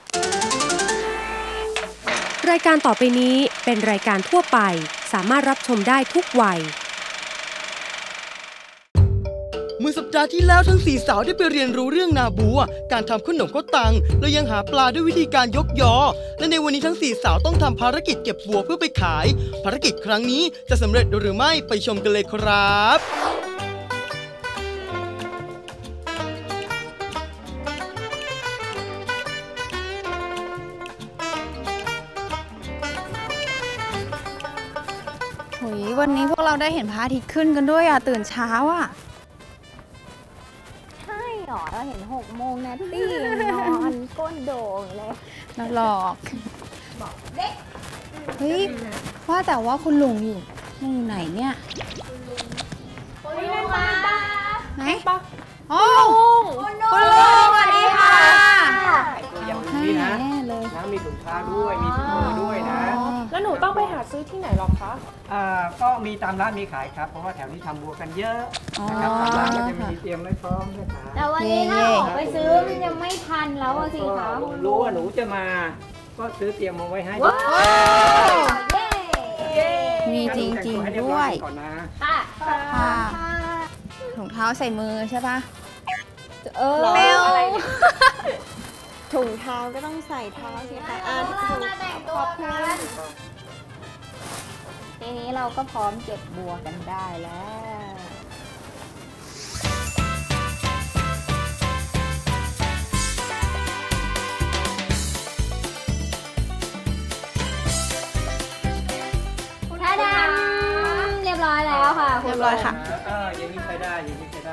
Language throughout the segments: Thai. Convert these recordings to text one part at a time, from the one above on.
รายการต่อไปนี้เป็นรายการทั่วไปสามารถรับชมได้ทุกวัยเมื่อสัปดาห์ที่แล้วทั้ง4สาวได้ไปเรียนรู้เรื่องนาบัวการทำขนมข้าวตังและยังหาปลาด้วยวิธีการยกยอและในวันนี้ทั้ง4สาวต้องทำภารกิจเก็บบัวเพื่อไปขายภารกิจครั้งนี้จะสำเร็จหรือไม่ไปชมกันเลยครับวันนี้พวกเราได้เห็นพระอาทิตย์ขึ้นกันด้วยตื่นเช้าใช่หรอเราเห็น6 โมงนะตี้นอนก้นโด่งเลยน่าหลอกบอกเด็กเฮ้ยว่าแต่ว่าคุณลุงอยู่ไหนเนี่ยคุณลุงมาไหนโอ้คุณลุงสวัสดีค่ะอย่างนี้นะมีถุงเท้าด้วยมีถุงมือด้วยนะแล้วหนูต้องไปหาซื้อที่ไหนหรอคะก็มีตามร้านมีขายครับเพราะว่าแถวนี้ทำบัวกันเยอะนะครับตามร้านก็จะมีเตรียมไว้พร้อมด้วยครับแต่วันนี้ถ้าออกไปซื้อมันยังไม่ทันแล้วสิคะรู้ว่าหนูจะมาก็ซื้อเตรียมมาไว้ให้มีจริงๆด้วยค่ะถุงเท้าใส่มือใช่ปะเร็วถุงเท้าก็ต้องใส่เท้าสิคะขอบคุณทีนี้เราก็พร้อมเก็บบัวกันได้แล้วท่าดำเรียบร้อยแล้วค่ะเรียบร้อยค่ะอย่างนี้ใช้ได้อย่างนี้ใช้ได้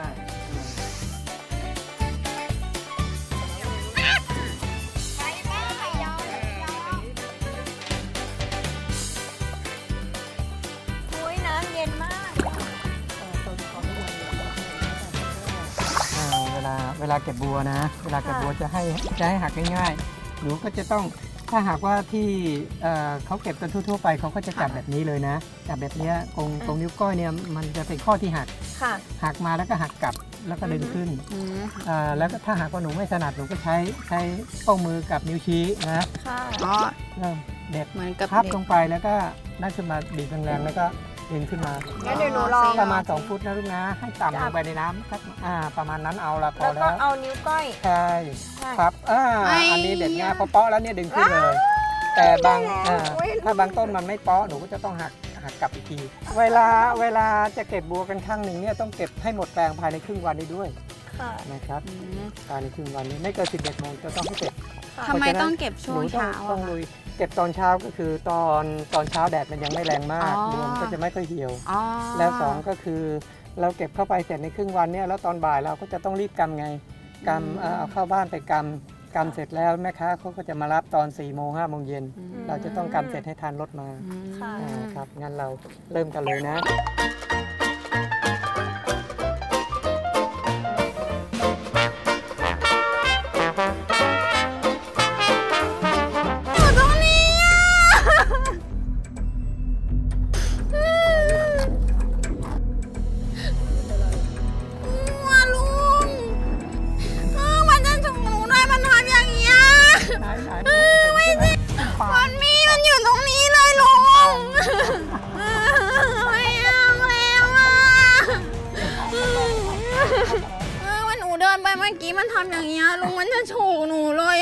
เวลาเก็บบัวนะเวลาเก็บบัวจะให้หักง่ายๆหนูก็จะต้องถ้าหากว่าที่เขาเก็บกันทั่วๆไปเขาก็จะจับแบบนี้เลยนะจับแบบนี้ตรงนิ้วก้อยเนี่ยมันจะเป็นข้อที่หักมาแล้วก็หักกลับแล้วก็ดึงขึ้นแล้วก็ถ้าหากว่าหนูไม่ถนัดหนูก็ใช้ข้อมือกับนิ้วชี้นะเด็ดพับลงไปแล้วก็นั่นขึ้นมาบีบแรงๆแล้วก็ดึงขึ้นมางั้นเดี๋ยวหนูลองประมาณ2 ฟุตนะลูกนะให้ต่ำลงไปในน้ำสักประมาณนั้นเอาละพอแล้วก็เอานิ้วก้อยใช่ครับอันนี้เด็ดง่ายพอเปาะแล้วเนี่ยดึงขึ้นเลยแต่ถ้าบางต้นมันไม่เปาะหนูก็จะต้องหักกลับอีกทีเวลาจะเก็บบัวกันครั้งหนึ่งเนี่ยต้องเก็บให้หมดแปลงภายในครึ่งวันนี้ด้วยนะครับภายในครึ่งวันนี้ไม่เกิน11 โมงจะต้องให้เสร็จทำไมต้องเก็บช่วงเช้าต้องลุยเก็บตอนเช้าก็คือตอนเช้าแดดมันยังไม่แรงมากบัวมันก็จะไม่ค่อยเหี่ยวแล้ว2ก็คือเราเก็บเข้าไปเสร็จในครึ่งวันเนี่ยแล้วตอนบ่ายเราก็จะต้องรีบกำไงกำเอาเข้าบ้านไปกำเสร็จแล้วแม่ค้าเขาก็จะมารับตอน4 โมง 5 โมงเย็นเราจะต้องกำเสร็จให้ทันรถมาครับงั้นเราเริ่มกันเลยนะมันอยู่ตรงนี้เลยลุงไม่เอาแล้ววันหนูเดินไปเมื่อกี้มันทำอย่างเงี้ยลุงมันจะโฉกหนูเลย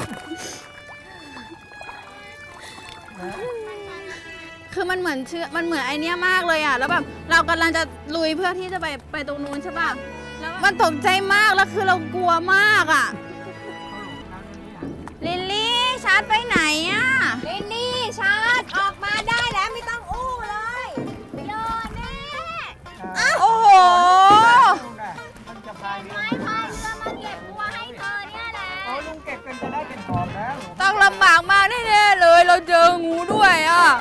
คือมันเหมือนไอเนี้ยมากเลยแล้วแบบเรากำลังจะลุยเพื่อที่จะไปตรงนู้นใช่ป่ะแล้วมันตกใจมากแล้วคือเรากลัวมากลิลลี่ชาร์จไปไหนลิลลี่ชาร์จออกมาได้แล้วไม่ต้องอู้เลยโดนแน่โอ้โหไม้พายเรือมาเก็บบัวให้เธอเนี่ยแหละลุงเก็บกันจะได้เป็นหอมแล้วต้องลำบากมากแน่ๆเลยเราเจองูด้วย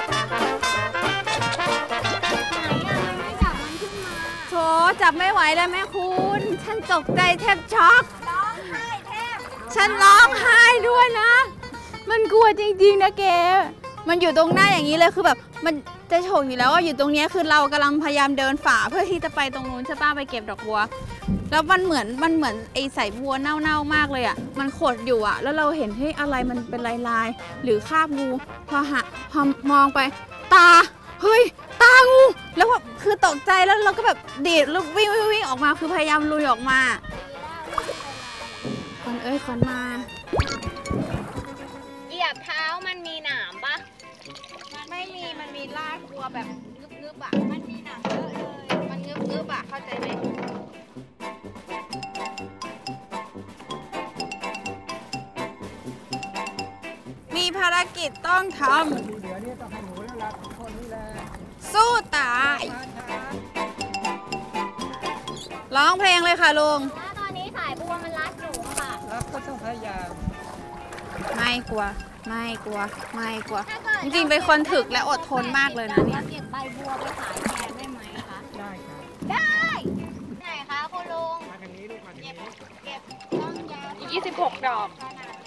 ไม่จับมันขึ้นมาโถจับไม่ไหวแล้วแม่คุณฉันตกใจแทบช็อกร้องไห้แทบฉันร้องไห้ด้วยนะมันกลัวจริงๆนะแกมันอยู่ตรงหน้าอย่างนี้เลยคือแบบมันจะโฉกอยู่แล้วอยู่ตรงนี้คือเรากำลังพยายามเดินฝ่าเพื่อที่จะไปตรงนู้นใช่ป้ะไปเก็บดอกบัวแล้วมันเหมือนไอสายบัวเน่าๆมากเลยอ่ะมันขดอยู่อ่ะแล้วเราเห็นให้อะไรมันเป็นลายๆหรือคราบงูพอมองไปตาเฮ้ยตางูแล้วแบบคือตกใจแล้วเราก็แบบดีดแล้ววิ่งออกมาคือพยายามลุยออกมาขอนมาเหยียบเท้ามันมีหนามปะไม่มีมันมีลากบัวแบบงึบๆอ่ะมันมีหนามเยอะเลยมันงึบๆอ่ะเข้าใจไหมมีภารกิจต้องทำสู้ตายร้องเพลงเลยค่ะลุงตอนนี้สายบัวมันรัดอยู่ค่ะรัดก็ต้องพยายามไม่กลัวจริงๆเป็นคนถึกและอดทนมากเลยนะเนี่ยเก็บใบบัวไปขายแทนได้ไหมคะได้ครับได้ไหนคะคุณลุงมาทางนี้ลูกมาทางนี้เก็บต้นยาวอีก26 ดอก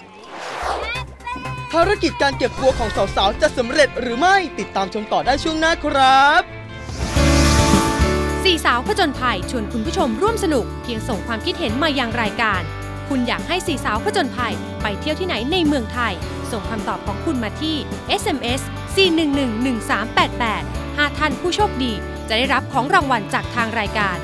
ภารกิจการเก็บบัวของสาวๆจะสำเร็จหรือไม่ติดตามชมต่อได้ช่วงหน้าครับ 4 สาวผจญภัยชวนคุณผู้ชมร่วมสนุกเพียงส่งความคิดเห็นมายังรายการคุณอยากให้4 สาวผจญภัยไปเที่ยวที่ไหนในเมืองไทยส่งคำตอบของคุณมาที่ SMS 4111388 5 ท่านผู้โชคดีจะได้รับของรางวัลจากทางรายการ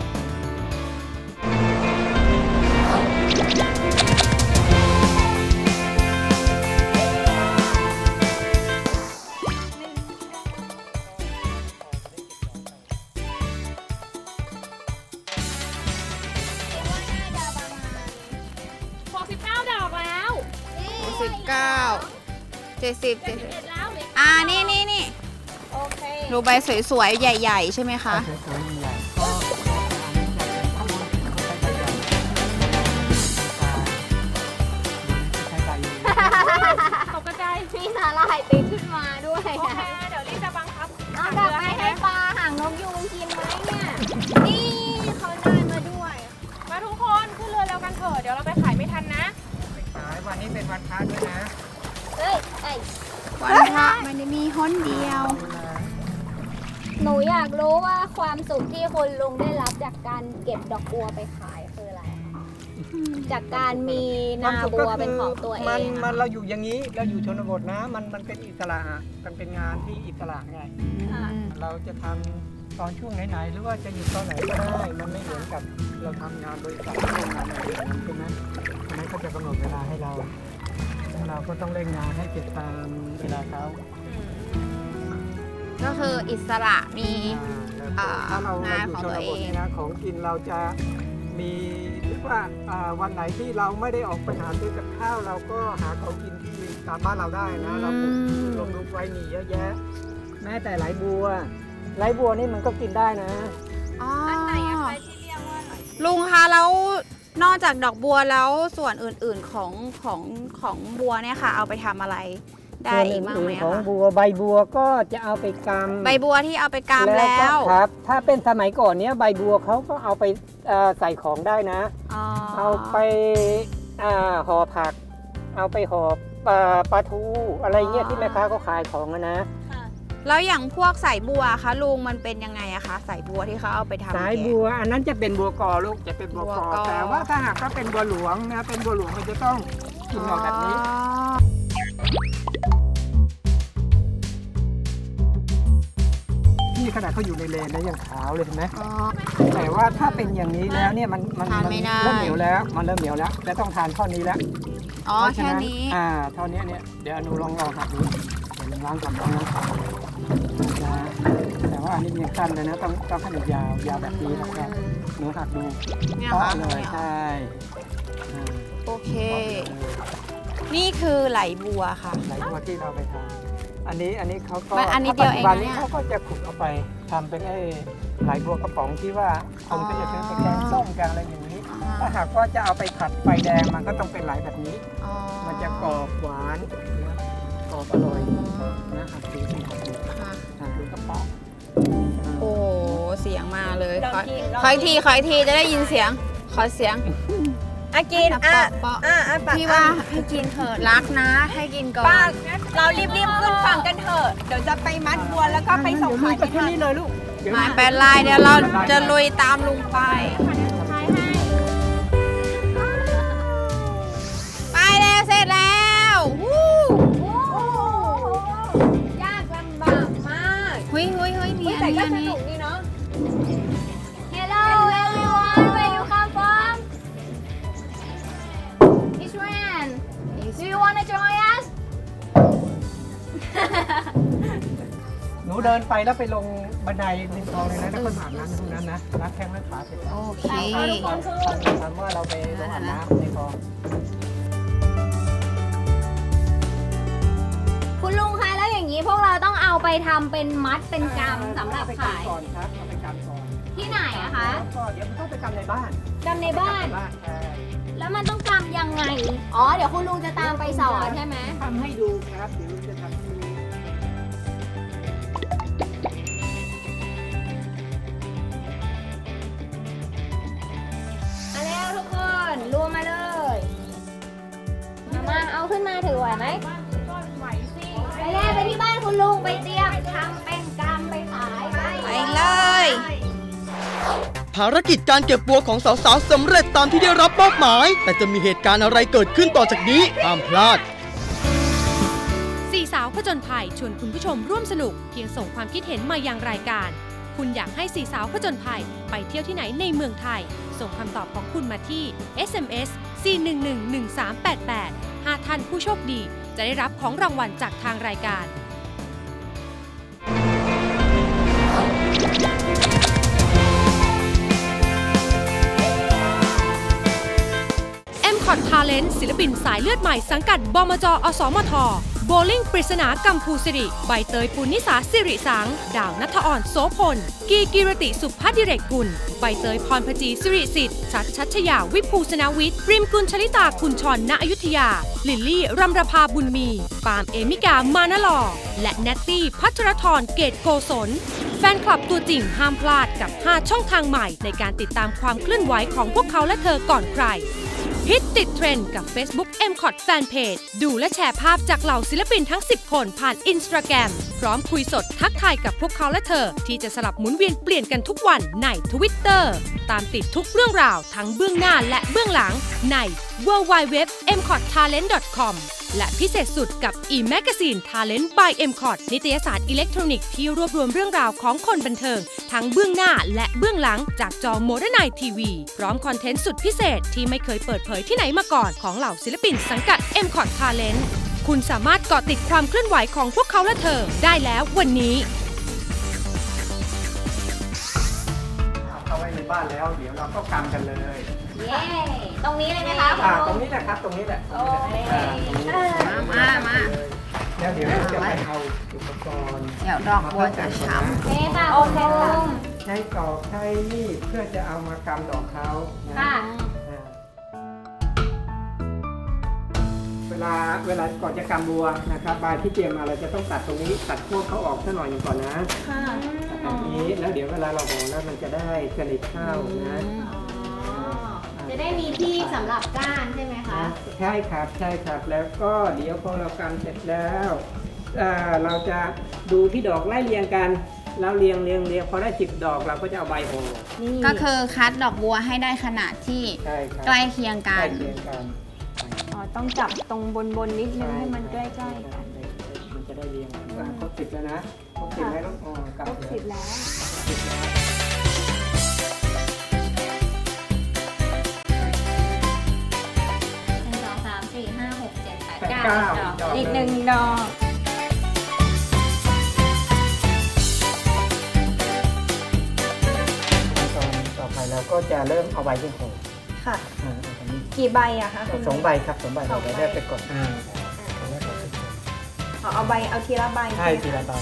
70นี่โอเคดูใบสวยๆใหญ่ๆใช่ไหมคะสวยๆใหญ่ก็ตกใจมีสาหร่ายติดขึ้นมาด้วยโอเคเดี๋ยวรีบจะบังคับเอากลับไปให้ปลาหางนกยูงกินไหมเนี่ยนี่เขาได้มาด้วยมาทุกคนขึ้นเรือแล้วกันเถอะเดี๋ยวเราไปขายไม่ทันนะขายวันนี้เป็นวันพระด้วยนะวันพระมันจะมีฮ้อนเดียวหนูอยากรู้ว่าความสุขที่คุณลุงได้รับจากการเก็บดอกบัวไปขายคืออะไรจากการมีนาบัวเป็นของตัวเองมันเราอยู่อย่างนี้เราอยู่ชนบทนะมันเป็นอิสระมันเป็นงานที่อิสระไงเราจะทำตอนช่วงไหนๆหรือว่าจะอยู่ตอนไหนก็ได้มันไม่เหมือนกับเราทำงานบริษัทโรงงานอะไรอย่างนั้นใช่ไหมอันนั้นเขาจะกำหนดเวลาให้เราก็ต้องเร่งงานให้เสร็จตามเวลาเขาก็คืออิสระมีถ้าเราอยู่ชนบทนะของกินเราจะมีเรียกว่าวันไหนที่เราไม่ได้ออกไปหาซื้อกับข้าวเราก็หาของกินที่ตามบ้านเราได้นะเราปลูกลงไว้มีเยอะแยะแม้แต่ไหลบัวนี่มันก็กินได้นะอันไหนอะคะที่เรียกว่าลุงคะแล้วนอกจากดอกบัวแล้วส่วนอื่นๆของบัวเนี่ยค่ะเอาไปทำอะไรได้อีกบ้างไหมคะของบัวใบบัวก็จะเอาไปกำใบบัวที่เอาไปกำแล้วครับถ้าเป็นสมัยก่อนเนี้ยใบบัวเขาก็เอาไปใส่ของได้นะเอาไปห่อผักเอาไปห่อปลาทูอะไรเงี้ยที่แม่ค้าเขาขายของนะแล้วอย่างพวกสายบัวคะลุงมันเป็นยังไงอะคะสายบัวที่เขาเอาไปทำสายบัวอันนั้นจะเป็นบัวกอลูกจะเป็นบัวกอแต่ว่าถ้าหากก็เป็นบัวหลวงนะเป็นบัวหลวงมันจะต้องกินออกแบบนี้นี่ขนาดเขาอยู่ในเลนนะยังขาวเลยเห็นไหมแต่ว่าถ้าเป็นอย่างนี้แล้วเนี่ยมันเริ่มเหนียวแล้วและต้องทานข้อนี้แล้วแค่นี้เท่านี้เนี่ยเดี๋ยวอนุลองหักดูเดี๋ยวล้างกับน้องแต่ว่าอันนี้ยังสั้นเลยนะต้องขนาดยาวแบบนี้นะครับหนูหักดูเนี่ยค่ะเลยใช่โอเคนี่คือไหลบัวค่ะไหลบัวที่เราไปทำอันนี้เขาก็อันนี้เดียวเองเนี่ยเขาก็จะขุดเอาไปทำเป็นไหลบัวกระป๋องที่ว่าคนก็จะซื้อไปแกงส้มแกงอะไรอย่างนี้ถ้าหากว่าจะเอาไปผัดไฟแดงมันก็ต้องเป็นไหลแบบนี้มันจะกรอบหวานกรอบอร่อยนะหักดูกระป๋องโอ้เสียงมาเลยขออีกทีจะได้ยินเสียงขอเสียงกินพี่ว่าให้กินเถอะรักนะให้กินก่อนเรารีบขึ้นฝั่งกันเถอะเดี๋ยวจะไปมัดบัวแล้วก็ไปส่งขายที่นี่เลยลูกหมายเป็นไรเดี๋ยวเราจะลุยตามลุงไปขายให้เดินไปแล้วไปลงบันไดริมคลองเลยนะแล้วก็อาบน้ำตรงนั้นนะล้างแข้งล้างขาเสร็จแล้วโอเคถามว่าเราไปลงอาบน้ำในคลองคุณลุงคะแล้วอย่างนี้พวกเราต้องเอาไปทำเป็นมัดเป็นกำสำหรับขายก่อนครับเอาไปกำก่อนที่ไหนอะคะก็เดี๋ยวมันต้องไปกำในบ้านกำในบ้านใช่แล้วมันต้องกำยังไง อ๋อ เดี๋ยวคุณลุงจะตามไปสอนใช่ไหมทำให้ดูครับเดี๋ยวลุงจะทำให้ดูมาแล้วทุกคนรวมมาเลย มาเอาขึ้นมาถือไหวไหมไปแล้วไปที่บ้านคุณลุงไปเตรียมทำเป็นกำไปขายไปเลยภารกิจการเก็บบัวของสาวๆสำเร็จตามที่ได้รับมอบหมาย แต่จะมีเหตุการณ์อะไรเกิดขึ้นต่อจากนี้ห้ามพลาดสี่สาวผจญภัยชวนคุณผู้ชมร่วมสนุกเพียงส่งความคิดเห็นมายังรายการ คุณอยากให้สี่สาวผจญภัยไปเที่ยวที่ไหนในเมืองไทย ส่งคำตอบของคุณมาที่ SMS 4111388 5 ท่านผู้โชคดีจะได้รับของรางวัลจากทางรายการ M.Cot Talent ศิลปินสายเลือดใหม่สังกัดบมจ.อสมท. โบลิ่งปริศนากัมพูสิริใบเตยปุณณิสาสิริสังดาวนัทอ่อนโสพลกีกิรติสุภดิเรกกุลใบเตยพรพจีสิริสิทธิ์ชัชยาวิภูสนาวิทย์ริมกุลชลิตาคุณชรณอยุธยาลิลลี่รำรภาบุญมีปาล์มเอมิกามานลอและแนตตี้พัชรธรเกตโกศลแฟนคลับตัวจริงห้ามพลาดกับ 5 ช่องทางใหม่ในการติดตามความเคลื่อนไหวของพวกเขาและเธอก่อนใครฮิตติดเทรนด์กับ Facebook M.Cot Fanpage ดูและแชร์ภาพจากเหล่าศิลปินทั้ง 10 คนผ่าน Instagram พร้อมคุยสดทักทายกับพวกเขาและเธอที่จะสลับหมุนเวียนเปลี่ยนกันทุกวันใน Twitter ตามติดทุกเรื่องราวทั้งเบื้องหน้าและเบื้องหลังใน www.mcottalent.com และพิเศษสุดกับ e-magazine Talent by M.Cot นิตยสารอิเล็กทรอนิกส์ที่รวบรวมเรื่องราวของคนบันเทิงทั้งเบื้องหน้าและเบื้องหลังจากจอโมเดิร์นไนทีวีพร้อมคอนเทนต์สุดพิเศษที่ไม่เคยเปิดเผยที่ไหนมาก่อนของเหล่าศิลปินสังกัด M.Cot Talent คุณสามารถเกาะติดความเคลื่อนไหวของพวกเขาและเธอได้แล้ววันนี้เข้าไว้ในบ้านแล้วเดี๋ยวเราก็กำกันเลยเย้ตรงนี้เลยไหมคะตรงนี้แหละครับตรงนี้แหละโอเคมาแล้วเดี๋ยวเราจะไปเอาอุปกรณ์เดี๋ยวดอกบัวจะช้โอเคค่ะคุณลุงใช้ตอกใช้มีดเพื่อจะเอามากำดอกเขานะค่ะเวลาก่อนจะกำบัวนะครับใบที่เตรียมมาเราจะต้องตัดตรงนี้ตัดพวกเขาออกสักหน่อยหนึ่งก่อนนะตัดแบบนี้แล้วเดี๋ยวเวลาเราห่อแล้วมันจะได้สนิทเข้านะจะได้มีที่สำหรับก้านใช่ไหมคะใช่ครับใช่ครับแล้วก็เดี๋ยวพอเรากำเสร็จแล้วเราจะดูที่ดอกไล่เรียงกันแล้วเรียงพอได้10 ดอกเราก็จะเอาใบห่อำก็คือคัดดอกบัวให้ได้ขนาดที่ใช่ครับใกล้เคียงกัใกล้นเคียงกันอ๋อ ต้องจับตรงบนนิดนึงให้มันใกล้ๆกันมันจะได้เรียงครบ10แล้วนะครบ10แล้วต้องกลับครบ10แล้ว 1 2 3 4 5 6 7 8 9 อีก1 ดอกต่อไปเราก็จะเริ่มเอาใบที่ห่อค่ะ กี่ใบอะคะคุณ 2 ใบครับ2 ใบเราได้ไปก่อนเอาทีละใบใช่ทีละใบ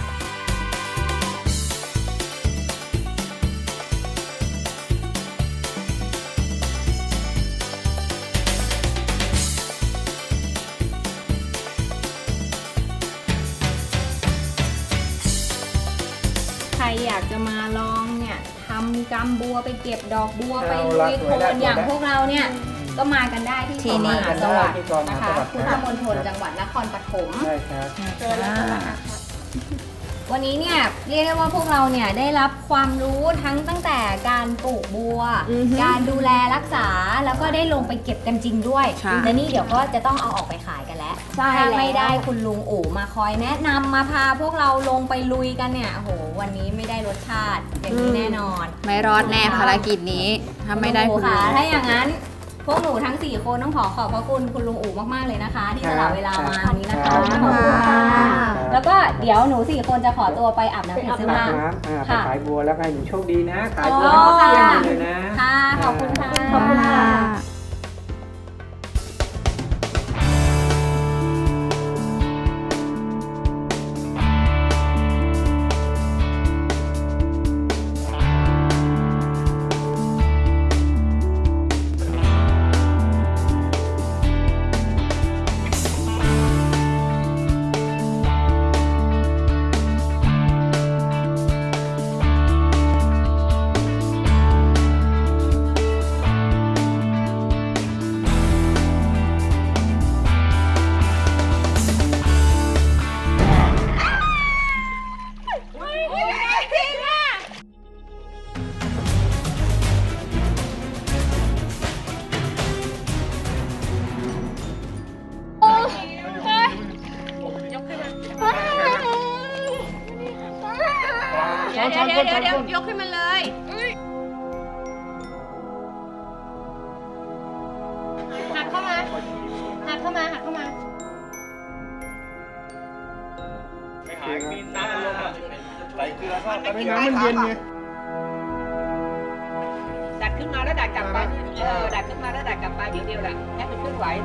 ใครอยากจะมาลองเนี่ยทำกำบัวไปเก็บดอกบัวไปลุยโคลนอย่างพวกเราเนี่ยก็มากันได้ที่ที่นี่มหาสวัสดิ์นะคะพุทธมณฑลจังหวัดนครปฐมใช่ครับวันนี้เนี่ยเรียกได้ว่าพวกเราเนี่ยได้รับความรู้ตั้งแต่การปลูกบัว การดูแลรักษาแล้วก็ได้ลงไปเก็บกันจริงด้วยใช่และนี่เดี๋ยวก็จะต้องเอาออกไปขายกันแล้วถ้าไม่ได้คุณลุงอู๋มาคอยแนะนำมาพาพวกเราลงไปลุยกันเนี่ยโอ้โหวันนี้ไม่ได้รสชาติอย่างนี้แน่นอนไม่รอดแน่ภารกิจนี้ ถ้าไม่ได้คุณค่ะลุงถ้าอย่างนั้นพวกหนูทั้ง4คนต้องขอบพระคุณคุณลุงอู๋มากๆเลยนะคะ ที่สละเวลามาวันนี้นะคะขอบคุณค่ะแล้วก็เดี๋ยวหนู4 คนจะขอตัวไปอาบน้ำเปลี่ยนเสื้อผ้าไปขายบัวแล้วให้หนูโชคดีนะขายบัวอ๋อเที่ยงเลยนะค่ะขอบคุณค่ะขอบคุณค่ะเดี๋ยวยกขึ้นมาเลยหักเข้ามาหักเข้ามาหักเข้ามาไม่หายมีน้ำมันลงอ่ะใส่เกลือทอดไปน้ำมันเย็นไงดัดขึ้นมาแล้วดัดกลับไปดัดขึ้นมาแล้วดัดกลับไปเดียวแหละให้มันเคลื่อนไหว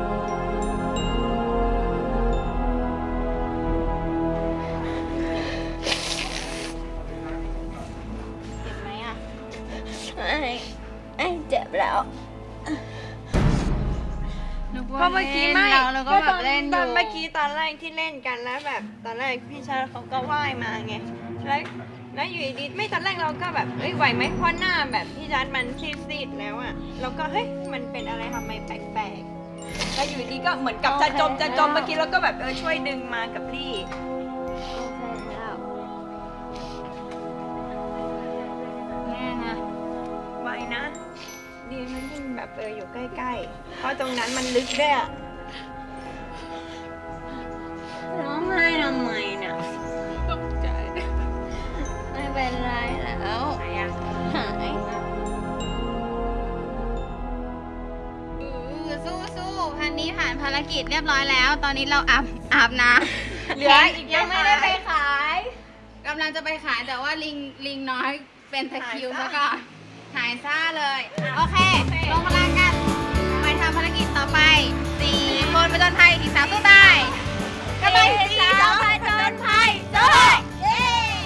เจ็บแล้วเพราะเมื่อกี้ไม่เราก็แบบเล่นอยู่ตอนเมื่อกี้ตอนแรกที่เล่นกันแล้วแบบตอนแรกพี่ชายเขาก็ว่ายมาไงแล้วอยู่ดีๆไม่ตอนแรกเราก็แบบเอ้ยไหวไหมเพราะหน้าแบบพี่ชัดมันซีดๆแล้วอะเราก็เฮ้ยมันเป็นอะไรทำไมแปลกๆแล้วอยู่ดีก็เหมือนกับจะจมเมื่อกี้เราก็แบบช่วยดึงมากับลี่แม่นะไว้นะดีมันยิ่งแบบอยู่ใกล้ๆเพราะตรงนั้นมันลึกด้วยอะร้องไห้ทำไมเนี่ยตกใจไม่เป็นไรแล้วหายสู้พันนี้ผ่านภารกิจเรียบร้อยแล้ว ตอนนี้เราอาบน้ำเหลืออีกยังไม่ได้ไปขายกำลังจะไปขายแต่ว่าลิงน้อยเป็นตะคริวซะก่อนหายซ่าเลยโอเคลงพลังกันไปทำภารกิจต่อไป4 คนผจญภัยอีก3สู้ตายกำลัง4 2ผจญภัยสู้เย้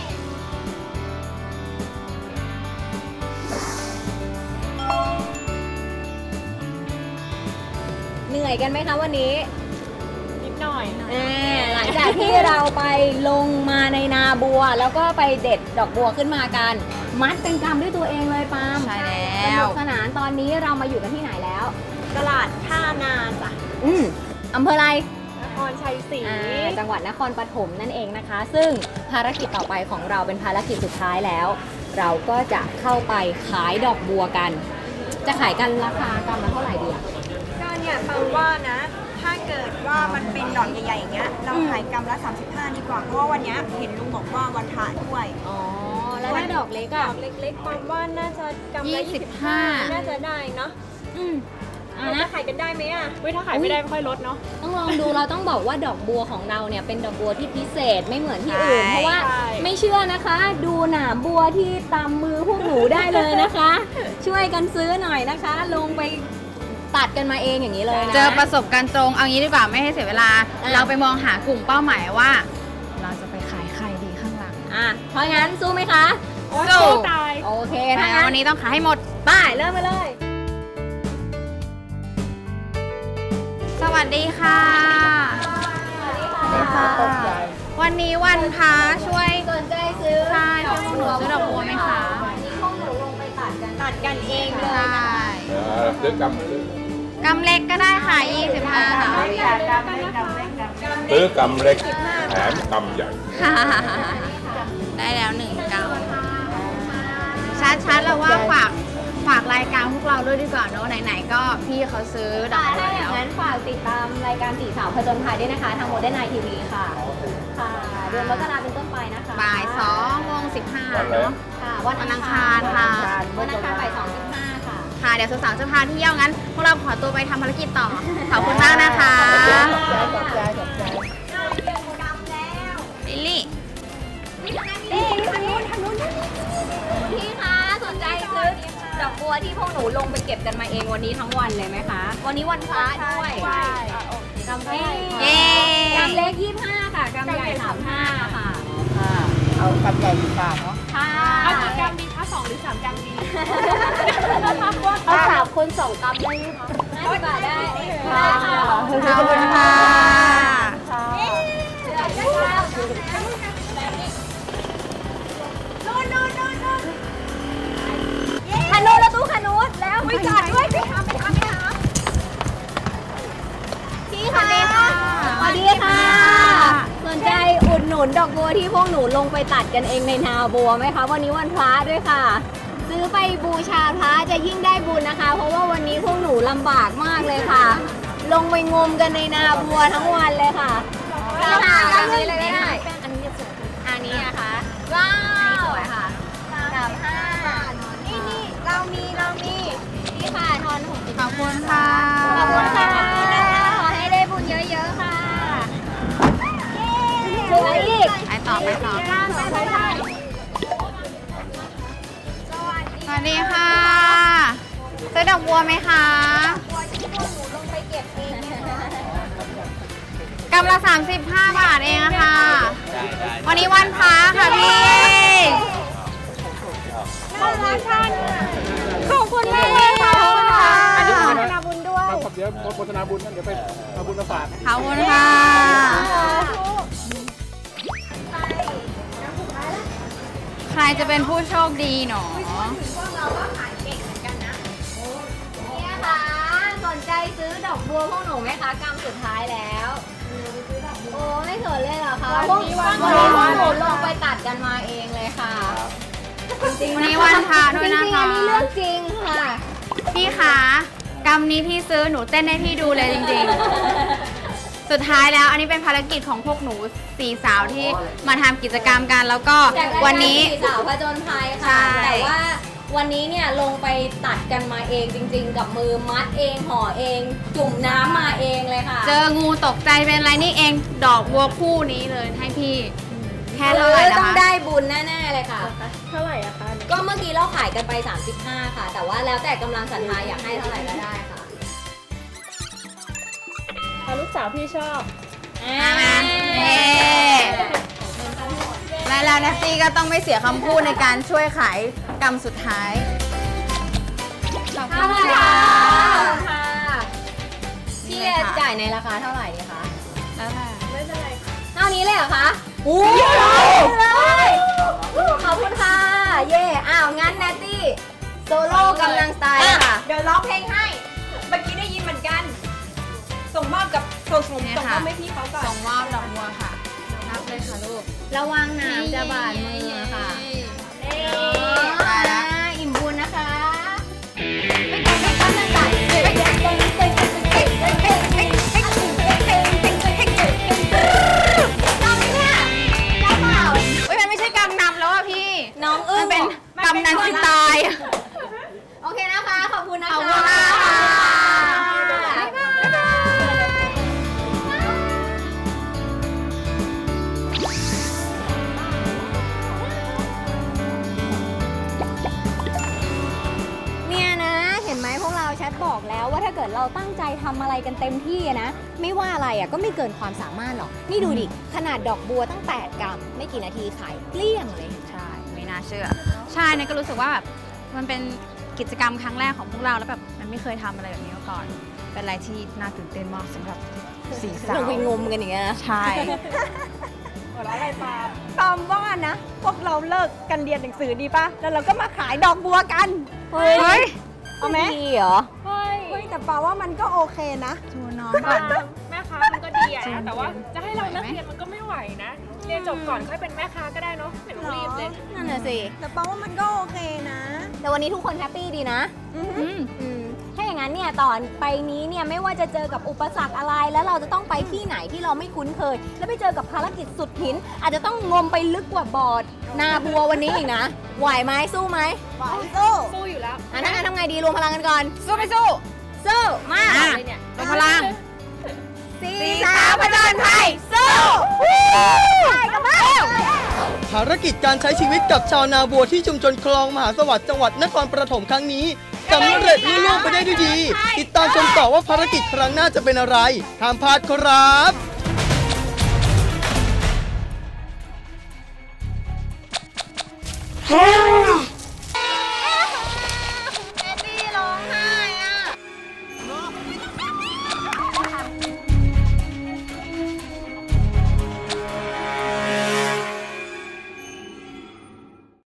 เหนื่อยกันไหมคะวันนี้นิดหน่อยหลังจากที่เราไปลงมาในนาบัว แล้วก็ไปเด็ดดอกบัวขึ้นมากัน มัดเป็นกำด้วยตัวเองเลยปาล์มใช่สแล้นุวกสนานตอนนี้เรามาอยู่กันที่ไหนแล้วตลาดท่านาจ้ะอำเภออะไรนครชัยศรีจังหวัดนครปฐมนั่นเองนะคะ ซึ่งภารกิจต่อไปของเราเป็นภารกิจสุดท้ายแล้ว เราก็จะเข้าไปขายดอกบัวกัน จะขายกันราคากำละเท่าไหร่ดีอะก็เนี่ยฟังว่านะ ถ้าเกิดว่ามันเป็นดอกใหญ่ๆอย่างเงี้ยเราขายกำละ35ดีกว่าเพราะว่าวันเนี้ยเห็นลุงบอกว่าวันถ่ายด้วยอ๋อ แล้วถ้าดอกเล็กดอะอกเล็กๆฟังว่าน่าจะกำละ25น่าจะได้เนาะ เราจะขายกันได้ไหมอ่ะถ้าขายไม่ได้ไม่ค่อยลดเนาะต้องลองดู เราต้องบอกว่าดอกบัวของเราเนี่ยเป็นดอกบัวที่พิเศษไม่เหมือนที่อื่น เพราะว่าไม่เชื่อนะคะ ดูหนามบัวที่ตามมือพวกหนูได้เลยนะคะ ช่วยกันซื้อหน่อยนะคะ ลงไปตัดกันมาเองอย่างนี้เลยนะเจอประสบการณ์ตรงเอางี้ดีกว่าไม่ให้เสียเวลา เราไปมองหากลุ่มเป้าหมายว่า เราจะไปขายใครดีข้างหลังเพราะงั้นสู้ไหมคะสู้ตายโอเคแต่ถ้างั้นวันนี้ต้องขายให้หมดไปเริ่มไปเลยสวัสดีค่ะ วันนี้วันพระช่วยสนใจซื้อใช่ช่วยหนูซื้อดอกบัวไหมคะพวกหนูลงไปตัดกันตัดกันเองเลยใช่ซื้อกกำเล็กก็ได้ค่ะ25ค่ะซื้อกำเล็กแถมกำใหญ่ได้แล้ว1 กำชัดๆแล้วว่าฝากรายการพวกเราด้วยดีกว่าเนอะไหนๆก็พี่เขาซื้อดอกบัวถ้าอแล้ย่างวนั้นฝากติดตามรายการ4 สาวผจญภัยด้วยนะคะ ทางโมเดิร์นไนทีวีค่ะ ค่ะ เดือนมกราเป็นต้นไปนะคะบ่าย2:15เนอะค่ะวันอังคารค่ะวันอังคารบ่าย2:15ค่ะค่ะเดี๋ยวสาวๆจะพาเที่ยวงั้น พวกเราขอตัวไปทำภารกิจต่อ ขอบคุณมากนะคะขอบใจกำแล้ววันเลยไหมคะวันนี้วันพระด้วยกำเล็กกำเล็ก25ค่ะกำใหญ่35ค่ะเอากำใหญ่ดีกว่าเนาะค่ะเอากี่กำดีคะ2 หรือ 3 กำดีเอา3 คน2 กำได้ไหมคะ50 บาทได้ค่ะขอบคุณค่ะคานูแล้วตู้คานูแล้วไปจอดด้วยพี่ค่ะพี่ค่ะสวัสดีค่ะสนใจอุดหนุนดอกบัวที่พวกหนูลงไปตัดกันเองในนาบัวไหมคะวันนี้วันพระด้วยค่ะซื้อไปบูชาพระจะยิ่งได้บุญนะคะเพราะว่าวันนี้พวกหนูลำบากมากเลยค่ะลงไปงมกันในนาบัวทั้งวันเลยค่ะค่ะอันนี้เลยได้อันนี้สวยอันนี้นะคะว้าวสวยค่ะ35นี่เรามีนี่ค่ะทอน60 ขอบคุณค่ะขอบคุณค่ะขอให้ได้บุญเยอะๆค่ะสวยอีกไปต่อสวัสดีค่ะซื้อดอกบัวไหมคะกำละ35 บาทเองค่ะวันนี้วันพระค่ะพี่ขอบคุณมากเลยค่ะอันนี้โฆษณาบุญด้วยเดี๋ยวโฆษณาบุญนั่นเดี๋ยวไปเอาบุญมาฝากขอบคุณค่ะใครจะเป็นผู้โชคดีหนอเราก็ขายเก่งเหมือนกันนะเนี่ยค่ะสนใจซื้อดอกบัวพวกหนูไหมคะกำสุดท้ายแล้วโอ้ไม่เขินเลยเหรอคะวันนี้พวกหนูลงไปตัดกันมาเองเลยค่ะจริงๆวันนี้วันพระด้วยนะคะจริงๆอันนี้เรื่องจริงค่ะพี่คะกำนี้พี่ซื้อหนูเต้นให้พี่ดูเลยจริงๆสุดท้ายแล้วอันนี้เป็นภารกิจของพวกหนู4 สาวที่มาทำกิจกรรมกันแล้วก็วันนี้ 4 สาวผจญภัยค่ะแต่ว่าวันนี้เนี่ยลงไปตัดกันมาเองจริงๆกับมือมัดเองห่อเองจุ่มน้ำมาเองเลยค่ะเจองูตกใจเป็นไรนี่เองดอกบัวคู่นี้เลยให้พี่แค่เท่าไหร่นะคะต้องได้บุญแน่ๆเลยค่ะเท่าไหร่อะคะก็เมื่อกี้เราขายกันไป35ค่ะแต่ว่าแล้วแต่กำลังศรัทธาอยากให้เท่าไหร่ก็ได้ค่ะลูกสาวพี่ชอบแล้วนะซี่ก็ต้องไม่เสียคำพูดในการช่วยขายกำสุดท้ายขอบคุณค่ะพี่จ่ายในราคาเท่าไหร่ดีคะแล้วแต่ไม่เป็นไรเท่านี้เลยเหรอคะโอ้เลยขอบคุณค่ะเย่อ้าวงั้นแนตตี้โซโล่กำลังสไตล์ค่ะเดี๋ยวร้องเพลงให้เมื่อกี้ได้ยินเหมือนกันส่งมอบกับส่งมอบให้พี่เขาก่อนส่งมอบดอกบัวค่ะนับเลยค่ะลูกระวังน้ำจะบาดมือค่ะอิ่มบุญนะคะมันไม่ใช่กำนำแล้วอ่ะพี่น้องอึ้งเป็นกำนันที่ตายโอเคนะคะขอบคุณนะคะแชทบอกแล้วว่าถ้าเกิดเราตั้งใจทำอะไรกันเต็มที่นะไม่ว่าอะไรอ่ะก็ไม่เกินความสามารถหรอกนี่ดูดิขนาดดอกบัวตั้ง8 กรัมไม่กี่นาทีขายเกลี้ยงเลยใช่ไม่น่าเชื่อใช่เนี่ยก็รู้สึกว่าแบบมันเป็นกิจกรรมครั้งแรกของพวกเราแล้วแบบมันไม่เคยทำอะไรแบบนี้มาก่อนเป็นอะไรที่น่าตื่นเต้นมากสำหรับ4 สาวเราไปงมกันอย่างเงี้ยใช่หัวเราะอะไรปามว่านะพวกเราเลิกกันเรียนหนังสือดีป่ะแล้วเราก็มาขายดอกบัวกันเฮ้ยเอาไหมดีเหรอเฮ้ยแต่ปาว่ามันก็โอเคนะชวนน้องก่อนแม่ค้ามันก็ดีอะนะแต่ว่าจะให้เราเลิกเรียนมันก็ไม่ไหวนะเรียนจบก่อนค่อยเป็นแม่ค้าก็ได้เนาะไม่ต้องรีบเลยนั่นน่ะสิแต่ปาว่ามันก็โอเคนะแต่วันนี้ทุกคนแฮปปี้ดีนะถ้าอย่างนั้นเนี่ยตอนไปนี้เนี่ยไม่ว่าจะเจอกับอุปสรรคอะไรแล้วเราจะต้องไปที่ไหนที่เราไม่คุ้นเคยแล้วไปเจอกับภารกิจสุดหินอาจจะต้องงมไปลึกกว่าบอดนาบัววันนี้อีกนะไหวไหมสู้ไหมไหวสู้อยู่แล้วงั้นทำไงดีรวมพลังกันก่อนสู้ไม่สู้สู้มารวมพลัง 4 สาวผจญภัยสู้ไปกันมาภารกิจการใช้ชีวิตกับชาวนาบัวที่ชุมชนคลองมหาสวัสดิ์จังหวัดนครปฐมครั้งนี้สำเร็จลุล่วงไปได้ด้วยดีติดตามชมต่อว่าภารกิจครั้งหน้าจะเป็นอะไรห้ามพลาดครับ